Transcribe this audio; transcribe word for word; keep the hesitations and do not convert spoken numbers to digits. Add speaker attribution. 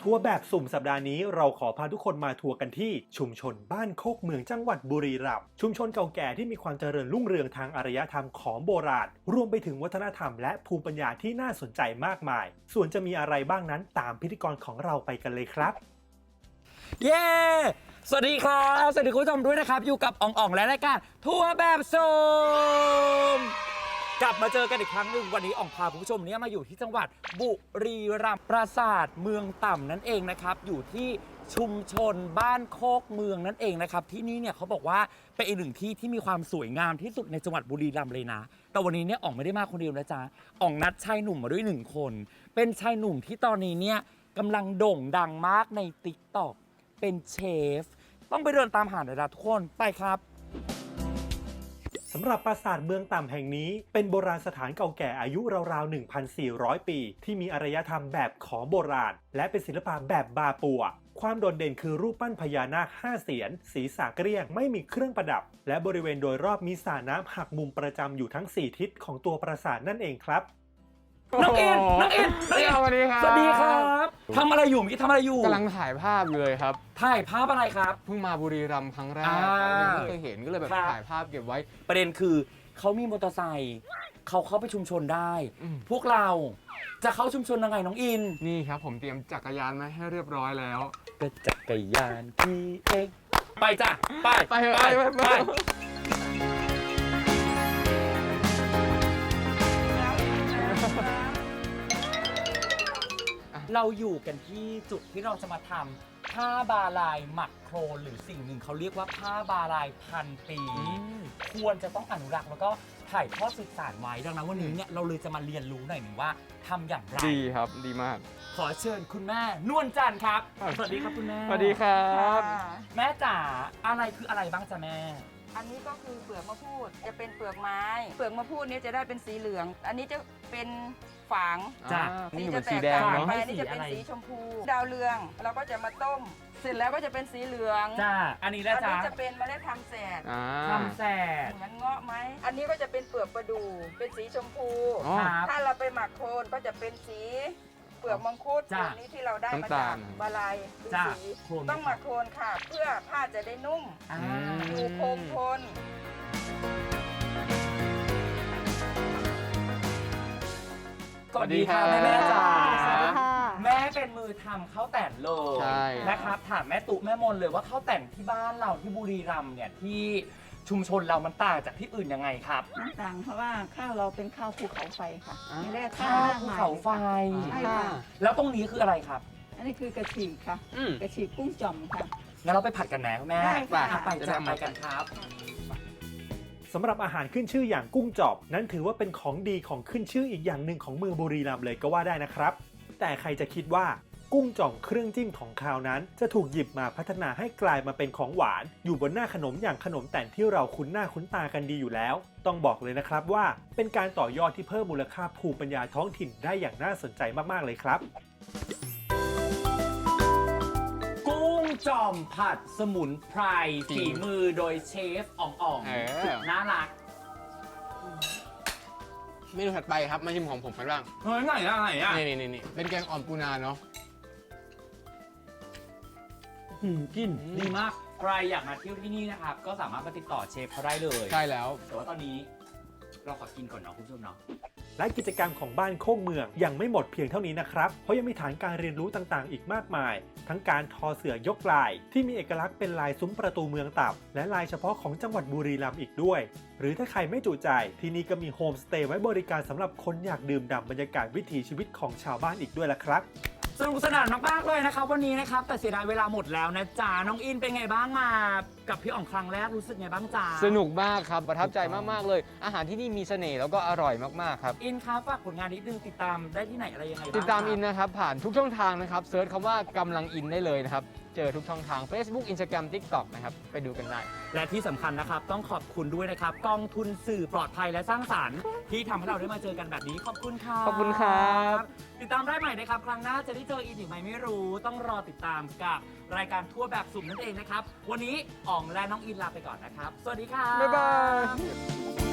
Speaker 1: ทัวร์แบบสุ่มสัปดาห์นี้เราขอพาทุกคนมาทัวร์กันที่ชุมชนบ้านโคกเมืองจังหวัดบุรีรัมย์ชุมชนเก่าแก่ที่มีความเจริญรุ่งเรืองทางอารยธรรมของโบราณรวมไปถึงวัฒนธรรมและภูมิปัญญาที่น่าสนใจมากมายส่วนจะมีอะไรบ้างนั้นตามพิธีกรของเราไปกันเลยครับ
Speaker 2: เย้สวัสดีครับสวัสดีคุณผู้ชมด้วยนะครับอยู่กับอ่องอ่องและรายการทัวร์แบบสุ่มกลับมาเจอกันอีกครั้งหนึ่งวันนี้อ่องพาคุณผู้ชมเนี่ยมาอยู่ที่จังหวัดบุรีรัมย์ปราสาทเมืองต่ำนั่นเองนะครับอยู่ที่ชุมชนบ้านโคกเมืองนั่นเองนะครับที่นี่เนี่ยเขาบอกว่าเป็นอีกหนึ่งที่ที่มีความสวยงามที่สุดในจังหวัดบุรีรัมย์เลยนะแต่วันนี้เนี่ยอ่องไม่ได้มาคนเดียวนะจ๊ะอ่องนัดชายหนุ่มมาด้วยหนึ่งคนเป็นชายหนุ่มที่ตอนนี้เนี่ยกำลังโด่งดังมากใน ติ๊กต็อก เป็นเชฟต้องไปเดินตามหาหน่อยนะทุกคนไปครับ
Speaker 1: สำหรับปราสาทเมืองต่ำแห่งนี้เป็นโบราณสถานเก่าแก่อายุราวๆ หนึ่งพันสี่ร้อย ปีที่มีอารยธรรมแบบขอมโบราณและเป็นศิลปะแบบบาปัวความโดดเด่นคือรูปปั้นพญานาคห้าเสียนศีรษะเกลี้ยงไม่มีเครื่องประดับและบริเวณโดยรอบมีสระน้ำหักมุมประจำอยู่ทั้งสี่ทิศของตัวปราสาทนั่นเองครับ
Speaker 2: น้องเอ็นน้องเอ็นน้องเอ็น
Speaker 3: สวัสดีครับ
Speaker 2: สวัสดีครับทำอะไรอยู่เมื่อกี้ทำอะไรอยู่
Speaker 3: กำลังถ่ายภาพเลยครับ
Speaker 2: ถ่ายภาพอะไรครับ
Speaker 3: เพิ่งมาบุรีรัมย์ครั้งแรก
Speaker 2: อ่า
Speaker 3: ยังไม่เคยเห็นก็เลยแบบ
Speaker 2: ครับ
Speaker 3: ถ่ายภาพเก็บไว้
Speaker 2: ประเด็นคือเขามีมอเตอร์ไซค์เขาเข้าไปชุมชนได้
Speaker 3: อืม
Speaker 2: พวกเราจะเข้าชุมชนยังไงน้องอิน
Speaker 3: นี่ครับผมเตรียมจักรยานมาให้เรียบร้อยแล้ว
Speaker 2: ก็จักรยานขี่เองไปจ้ะไป
Speaker 3: ไปเถอะไปไปไป
Speaker 2: เราอยู่กันที่จุดที่เราจะมาทำผ้าบาลายหมักโครนหรือสิ่งหนึ่งเขาเรียกว่าผ้าบาลายพันปีควรจะต้องอนุรักษ์แล้วก็ถ่ายทอดสืบสานไว้ดังนั้นวันนี้เนี่ยเราเลยจะมาเรียนรู้หน่อยหนึ่งว่าทำอย่างไร
Speaker 3: ดีครับดีมาก
Speaker 2: ขอเชิญคุณแม่นวลจันทร์ครับสวัสดีครับคุณแม่
Speaker 3: สวัสดีครับ
Speaker 2: แม่จ๋าอะไรคืออะไรบ้างจ๊ะแม่
Speaker 4: อันนี้ก็คือเปลือกมะพูดจะเป็นเปลือกไม้ เปลือกมะพูดนี้จะได้เป็นสีเหลือง อันนี้จะเป็นฝาง
Speaker 2: จ้ะ
Speaker 3: อ่า
Speaker 4: สี
Speaker 3: นี่เหมื
Speaker 4: จะ
Speaker 3: อน
Speaker 4: แต
Speaker 3: สี
Speaker 4: ก
Speaker 3: แดง
Speaker 4: ต่าง
Speaker 3: เนาะ
Speaker 4: ไปอันนี้จะเป็นสีชมพู ดาวเรืองเราก็จะมาต้ม เสร็จแล้วก็จะเป็นสีเหลือง
Speaker 2: จ้าอันนี้
Speaker 4: อั
Speaker 2: แล้ว
Speaker 4: น
Speaker 2: จ้า
Speaker 4: นี้จะเป็นเมล็ดทำแสด
Speaker 3: อ่า
Speaker 2: ทำแสด
Speaker 4: เหมือนเงาะไหมอันนี้ก็จะเป็นเปลือกประดู่เป็นสีชมพู
Speaker 3: อ๋อ
Speaker 2: ครับ
Speaker 4: ถ้าเราไปหมักโคลนก็จะเป็นสีเปลือกมังคุด
Speaker 2: จ้ะ
Speaker 4: ตัวนี้ที่เราได้มา
Speaker 3: น้ำตา
Speaker 4: จา
Speaker 3: ล
Speaker 4: กบาลายเป็น
Speaker 2: จ้ะ
Speaker 4: สี
Speaker 2: โคลน
Speaker 4: ต้องหมักโคลนค่ะ เพื่อผ้าจะได้นุ่ม
Speaker 2: อ่า
Speaker 4: อยู่คงทน
Speaker 2: สวัสดีค่ะแม่แม่จ๋า
Speaker 4: สวัสดีค่ะ
Speaker 2: แม่เป็นมือทำข้าวแต่นเลย
Speaker 3: ใช่
Speaker 2: นะครับถามแม่ตุ๊แม่มนเลยว่าข้าวแต่นที่บ้านเราที่บุรีรัมย์เนี่ยที่ชุมชนเรามันต่างจากที่อื่นยังไงครับ
Speaker 5: น้ำต่างเพราะว่าข้าวเราเป็นข้าวภูเขาไฟค่ะ
Speaker 3: อ่า
Speaker 5: ไม่ได้
Speaker 2: ข้า
Speaker 5: ข้าว ว
Speaker 2: ภู
Speaker 5: หน้า
Speaker 2: เขาไฟ
Speaker 5: ใช่ค่ะ
Speaker 2: แล้วตรงนี้คืออะไรครับ
Speaker 5: อันนี้คือกระฉีกค่ะ
Speaker 3: อืม
Speaker 5: กระฉีกกุ้งจ่อมค่ะ
Speaker 2: งั้นเราไปผัดกันไหมคุณแม่
Speaker 5: ได้ค่ะ
Speaker 2: อ่ไป
Speaker 3: จะ
Speaker 2: จ้ะ
Speaker 3: ได้
Speaker 2: ไป
Speaker 3: มา
Speaker 2: กันครับ
Speaker 1: สำหรับอาหารขึ้นชื่ออย่างกุ้งจอบนั้นถือว่าเป็นของดีของขึ้นชื่ออีกอย่างหนึ่งของเมืองบุรีรัมย์เลยก็ว่าได้นะครับแต่ใครจะคิดว่ากุ้งจ่อมเครื่องจิ้มของคาวนั้นจะถูกหยิบมาพัฒนาให้กลายมาเป็นของหวานอยู่บนหน้าขนมอย่างขนมแต่นที่เราคุ้นหน้าคุ้นตากันดีอยู่แล้วต้องบอกเลยนะครับว่าเป็นการต่อยอดที่เพิ่มมูลค่าภูมิปัญญาท้องถิ่นได้อย่างน่าสนใจมากๆเลยครับ
Speaker 2: กุ้งจ่อมผัดสมุนไพรฝีมือโดยเชฟอ่องอ่อง
Speaker 3: เออ
Speaker 2: สุดน่ารัก
Speaker 3: เมนูถัดไปครับมาชิมของผมกันบ้าง
Speaker 2: เฮ้ยไหนอะไหนอะ
Speaker 3: นี่นี่นี่เป็นแกงอ่อมปูนาเนาะ
Speaker 2: หืมกลิน
Speaker 3: อืม
Speaker 2: ดีมากใครอยากมาเที่ยวที่นี่นะครับก็สามารถมาติดต่อเชฟเขาได้เลย
Speaker 3: ใช่แล้ว
Speaker 2: แต่ว่าตอนนี้เราขอกินก่อนเนาะคุณผู้ชมเนาะ
Speaker 1: และกิจกรรมของบ้านโคกเมืองยังไม่หมดเพียงเท่านี้นะครับเพราะยังมีฐานการเรียนรู้ต่างๆ อีกมากมาย ทั้งการทอเสื่อยกลายที่มีเอกลักษณ์เป็นลายซุ้มประตูเมืองต่ำและลายเฉพาะของจังหวัดบุรีรัมย์อีกด้วย หรือถ้าใครไม่จุใจที่นี่ก็มีโฮมสเตย์ไว้บริการสำหรับคนอยากดื่มด่ำบรรยากาศวิถีชีวิตของชาวบ้านอีกด้วยล่ะครับ
Speaker 2: สนุกสนานมากๆเลยนะครับวันนี้นะครับแต่เสียดายเวลาหมดแล้วนะจ๊ะน้องอินเป็นไงบ้างมากับพี่อ่องครั้งแรกรู้สึกไงบ้างจ๊ะ
Speaker 3: สนุกมากครับประทับใจมากๆเลย อาหารที่นี่มีเสน่ห์แล้วก็อร่อยมากๆครับ
Speaker 2: อินครับฝากผลงานนิดนึงติดตามได้ที่ไหนอะไรยังไงบ้าง
Speaker 3: ติดตาม
Speaker 2: ครับ
Speaker 3: อินนะครับผ่านทุกช่องทางนะครับเซิร์ชคำว่ากำลังอินได้เลยนะครับเจอทุกช่องทาง Facebook Instagram TikTok นะครับไปดูกันได้
Speaker 2: และที่สำคัญนะครับต้องขอบคุณด้วยนะครับกองทุนสื่อปลอดภัยและสร้างสรรค์ที่ทำให้เราได้มาเจอกันแบบนี้ขอบคุณครับ
Speaker 3: ขอบคุณครับ
Speaker 2: ติดตามได้ใหม่นะครับครั้งหน้าจะได้เจออินอีกไหมไม่รู้ต้องรอติดตามกับรายการทั่วแบบสุ่มนั่นเองนะครับวันนี้อ่องและน้องอินลาไปก่อนนะครับสวัสดีครับ
Speaker 3: บ๊ายบาย